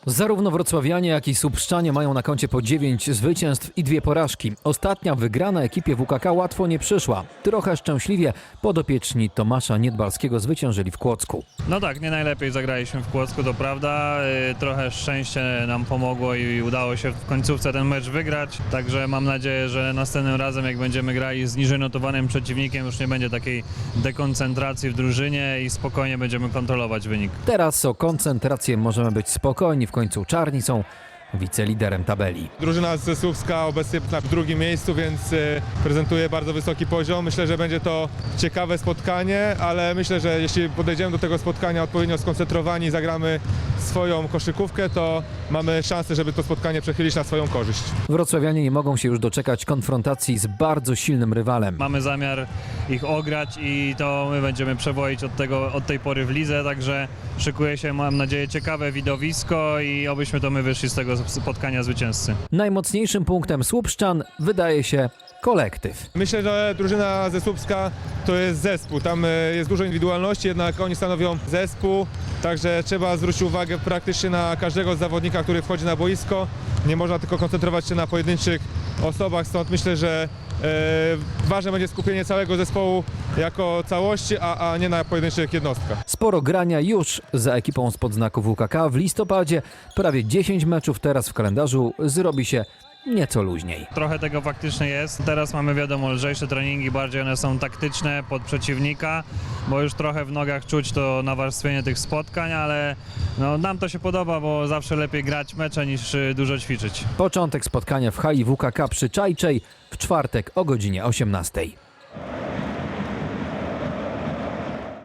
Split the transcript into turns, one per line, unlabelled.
Zarówno wrocławianie, jak i Słupszczanie mają na koncie po 9 zwycięstw i 2 porażki. Ostatnia wygrana ekipie WKK łatwo nie przyszła. Trochę szczęśliwie podopieczni Tomasza Niedbalskiego zwyciężyli w Kłodzku.
No tak, nie najlepiej zagraliśmy w Kłodzku, to prawda. Trochę szczęście nam pomogło i udało się w końcówce ten mecz wygrać. Także mam nadzieję, że następnym razem, jak będziemy grali z niżej notowanym przeciwnikiem, już nie będzie takiej dekoncentracji w drużynie i spokojnie będziemy kontrolować wynik.
Teraz o koncentrację możemy być spokojni. W końcu czarni są wiceliderem tabeli.
Drużyna ze Słupska obecnie na drugim miejscu, więc prezentuje bardzo wysoki poziom. Myślę, że będzie to ciekawe spotkanie, ale myślę, że jeśli podejdziemy do tego spotkania odpowiednio skoncentrowani i zagramy swoją koszykówkę, to mamy szansę, żeby to spotkanie przechylić na swoją korzyść.
Wrocławianie nie mogą się już doczekać konfrontacji z bardzo silnym rywalem.
Mamy zamiar ich ograć i to my będziemy przewozić od tej pory w lidze, także szykuje się, mam nadzieję, ciekawe widowisko i obyśmy to my wyszli z tego spotkania zwycięzcy.
Najmocniejszym punktem Słupszczan wydaje się kolektyw.
Myślę, że drużyna ze Słupska to jest zespół. Tam jest dużo indywidualności, jednak oni stanowią zespół, także trzeba zwrócić uwagę praktycznie na każdego zawodnika, który wchodzi na boisko. Nie można tylko koncentrować się na pojedynczych osobach, stąd myślę, że ważne będzie skupienie całego zespołu jako całości, a nie na pojedynczych jednostkach.
Sporo grania już za ekipą spod znaku WKK. W listopadzie prawie 10 meczów, teraz w kalendarzu zrobi się nieco luźniej.
Trochę tego faktycznie jest. Teraz mamy, wiadomo, lżejsze treningi, bardziej one są taktyczne pod przeciwnika, bo już trochę w nogach czuć to nawarstwienie tych spotkań, ale no, nam to się podoba, bo zawsze lepiej grać mecze niż dużo ćwiczyć.
Początek spotkania w hali WKK przy Czajczej w czwartek o godzinie 18.